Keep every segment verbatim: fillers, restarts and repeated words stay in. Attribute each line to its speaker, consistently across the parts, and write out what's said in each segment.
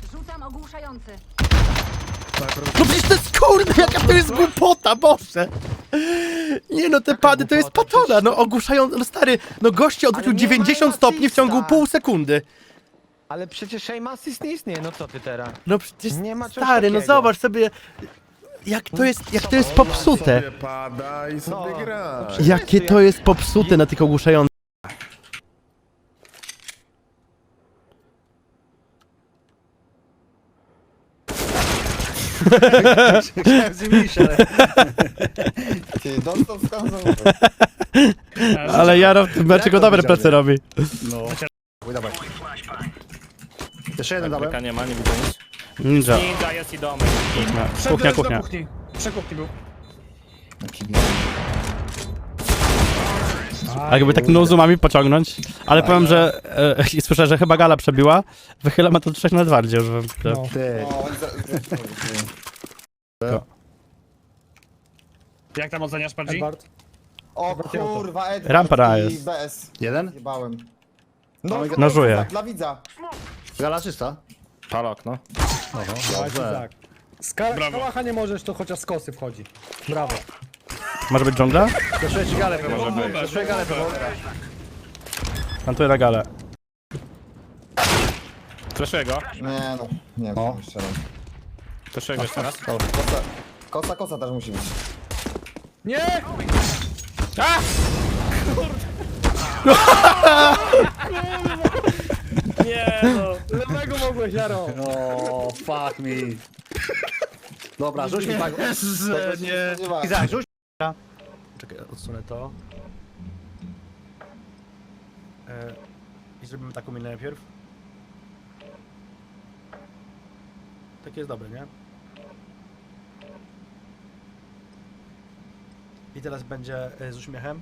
Speaker 1: Rzucam ogłuszający.
Speaker 2: No przecież to jest kurde, jaka to jest głupota, Boże! Nie no, te pady to jest patona, no ogłuszają, no stary, no goście odwrócił
Speaker 3: Ale nie
Speaker 2: dziewięćdziesiąt
Speaker 3: ma
Speaker 2: stopni w ciągu
Speaker 3: Assista.
Speaker 2: pół sekundy.
Speaker 3: Ale przecież Shame Assist nie istnieje, no co ty teraz?
Speaker 2: No przecież,
Speaker 3: Nie ma czegoś
Speaker 2: stary, no
Speaker 3: takiego.
Speaker 2: zobacz sobie, jak to jest, jak to jest popsute.
Speaker 4: Sobie pada i sobie
Speaker 3: No.
Speaker 4: gra.
Speaker 2: Jakie to jest popsute na tych ogłuszających.
Speaker 5: Chciałem zimić, ale...
Speaker 6: Ty, dostał skazą.
Speaker 2: Ale Jaro w tym meczu go dobre plecy robi.
Speaker 5: No. Uj, dawaj. Jeszcze jeden dałem.
Speaker 7: Bryka nie ma, nie widzę nic.
Speaker 2: Ninja.
Speaker 7: Ninja jest i domek.
Speaker 2: Kuchnia, kuchnia.
Speaker 8: Trzech kuchni był.
Speaker 2: A jakby tak no zoomami pociągnąć. Ale powiem, że e, słyszę, że chyba gala przebiła. Wychyla ma to trzech na bardziej już.
Speaker 8: No.
Speaker 5: Ty.
Speaker 6: O, on za, za,
Speaker 8: Jak tam oceniasz, Pardzi?
Speaker 9: Edward.
Speaker 6: o kurwa, Edward
Speaker 2: Rampera
Speaker 6: i
Speaker 2: jest.
Speaker 6: B S.
Speaker 5: Jeden?
Speaker 6: Jebałem. No,
Speaker 2: Nożuje.
Speaker 6: Dla widza.
Speaker 5: Gala czysta.
Speaker 7: Palok, no.
Speaker 5: Dobrze.
Speaker 9: Tak. Z ka- kałacha nie możesz, to chociaż z kosy wchodzi. Brawo.
Speaker 2: Może być dżungla?
Speaker 5: Przeszuję ci galę pewnie. Przeszuję galę pewnie.
Speaker 2: Plantuję na galę.
Speaker 7: Fleszuję go.
Speaker 6: Nie no, nie wiem, jeszcze raz.
Speaker 7: Fleszuję go jeszcze raz.
Speaker 6: Kosa, kosa, kosa też musi być.
Speaker 9: Nie!
Speaker 7: Nie no.
Speaker 9: Lewego mogłeś, Jaro.
Speaker 5: O, fuck me. Dobra, rzuć mi tak.
Speaker 6: Nie.
Speaker 5: Izak, rzuć.
Speaker 2: Czekaj, odsunę to. E, I zrobimy taką minę najpierw. Takie jest dobre, nie? I teraz będzie e, z uśmiechem.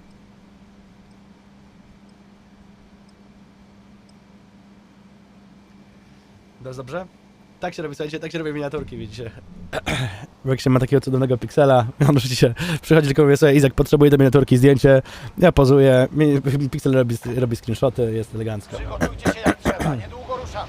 Speaker 2: To jest dobrze? Tak się robi, słuchajcie, tak się robi miniaturki, widzicie. Bo jak się ma takiego cudownego piksela, możecie przychodzić tylko mówię sobie, Izak potrzebuje do miniaturki zdjęcie, ja pozuję, mi- piksel robi, robi screenshoty, jest elegancko.
Speaker 3: Przygotujcie się jak trzeba, niedługo ruszamy.